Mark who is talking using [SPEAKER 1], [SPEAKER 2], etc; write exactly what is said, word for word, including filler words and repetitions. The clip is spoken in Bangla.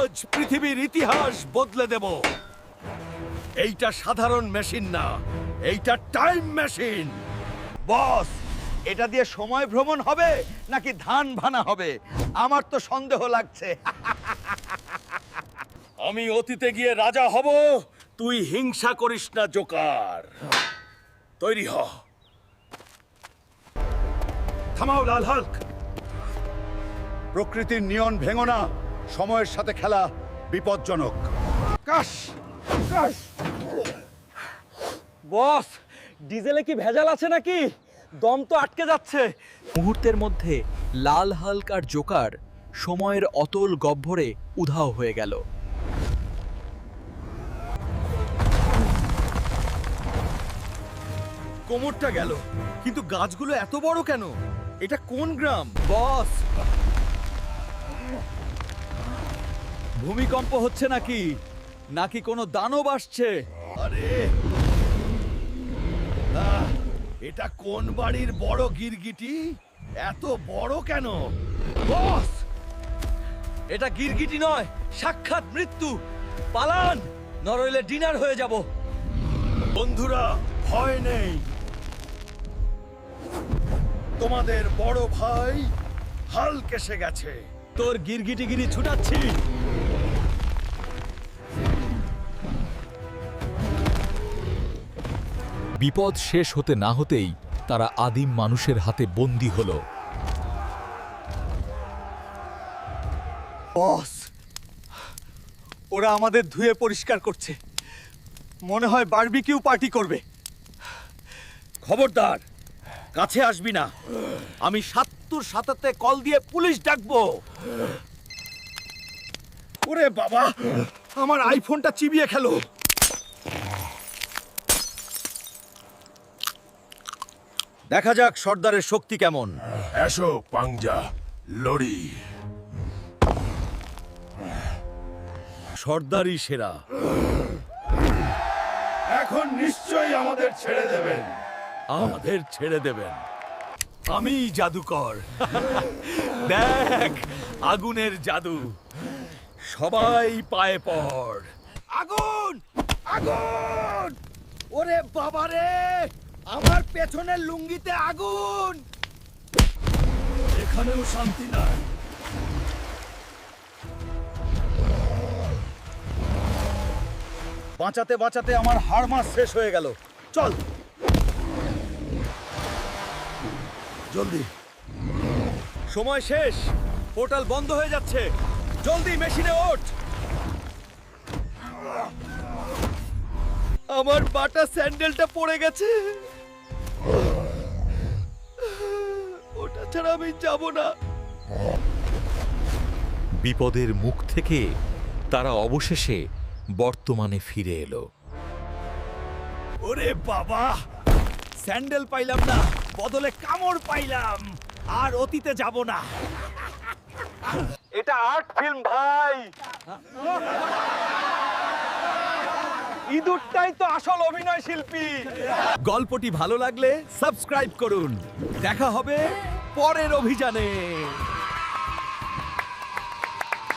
[SPEAKER 1] আজ পৃথিবীর ইতিহাস বদলে দেব। এইটা সাধারণ মেশিন না, এইটা টাইম মেশিন।
[SPEAKER 2] বস, এটা দিয়ে সময় ভ্রমণ হবে নাকি ধান ভানা হবে? আমার তো সন্দেহ লাগছে।
[SPEAKER 1] আমি অতীতে গিয়ে রাজা হব, তুই হিংসা করিস না জোকার। তৈরি হ। থামাও লাল হাল্ক।
[SPEAKER 2] প্রকৃতির নিয়ম ভেঙো না, সময়ের সাথে খেলা বিপজ্জনক। কাশ কাশ।
[SPEAKER 3] বস, ডিজেলে কি ভেজাল আছে নাকি? দম তো আটকে যাচ্ছে।
[SPEAKER 4] মুহূর্তের মধ্যে লাল হাল্ক আর জোকার সময়ের অতল গহ্বরে উধাও হয়ে গেল।
[SPEAKER 1] কোমরটা গেল, কিন্তু গাছগুলো এত বড় কেন? এটা কোন গ্রাম?
[SPEAKER 3] বস, ভূমিকম্প হচ্ছে নাকি নাকি কোনো দানব আসছে?
[SPEAKER 1] আরে আহ, এটা কোন বাড়ির বড় গিরগিটি? এত বড় কেন? বস,
[SPEAKER 3] এটা গিরগিটি নয়, সাক্ষাৎ মৃত্যু। পালান, নরইলে ডিনার হয়ে যাব।
[SPEAKER 1] বন্ধুরা, ভয় নেই। তোমাদের বড় ভাই হাল্ক এসে গেছে।
[SPEAKER 3] তোর গিরগিটিগিরি ছুটাচ্ছি।
[SPEAKER 4] বিপদ শেষ হতে না হতেই তারা আদিম মানুষের হাতে বন্দী হল।
[SPEAKER 3] বস, ওরা আমাদের ধুয়ে পরিষ্কার করছে। মনে হয় বারবিকিউ পার্টি করবে।
[SPEAKER 1] খবরদার, কাছে আসবি না। আমি সাত্তুর সাতাতে কল দিয়ে পুলিশ ডাকবো। ওরে বাবা, আমার আইফোনটা চিবিয়ে খেলো। দেখা যাক সর্দারের শক্তি কেমন।
[SPEAKER 5] এসো পাংজা, লড়ি।
[SPEAKER 1] সর্দারই সেরা।
[SPEAKER 5] এখন নিশ্চয়ই আমাদের ছেড়ে দেবেন।
[SPEAKER 1] আমাদের ছেড়ে দেবেন। আমি জাদুকর। দেখ, আগুনের জাদু। সবাই পায়ে পড়। আগুন, আগুন! ওরে বাবা রে, আমার পেছনের লুঙ্গিতে আগুন। এখানেও শান্তি নাই।
[SPEAKER 2] বাঁচাতে বাঁচাতে আমার হাড় মাস শেষ হয়ে গেল। চল
[SPEAKER 1] জলদি, সময় শেষ। পোর্টাল বন্ধ হয়ে যাচ্ছে। জলদি মেশিনে ওঠ। আমার বাটা স্যান্ডেলটা পড়ে গেছে। ওটা ছাড়া আমি যাব না।
[SPEAKER 4] বিপদের মুখ থেকে তারা অবশেষে বর্তমানে ফিরে এলো।
[SPEAKER 1] ওরে বাবা, স্যান্ডেল পাইলাম না, বদলে কামড় পাইলাম। আর অতীতে যাব না।
[SPEAKER 3] এটা আর্ট ফিল্ম ভাই। ইঁদুরটাই তো আসল অভিনয় শিল্পী।
[SPEAKER 1] গল্পটি ভালো লাগলে সাবস্ক্রাইব করুন। দেখা হবে পরের অভিযানে।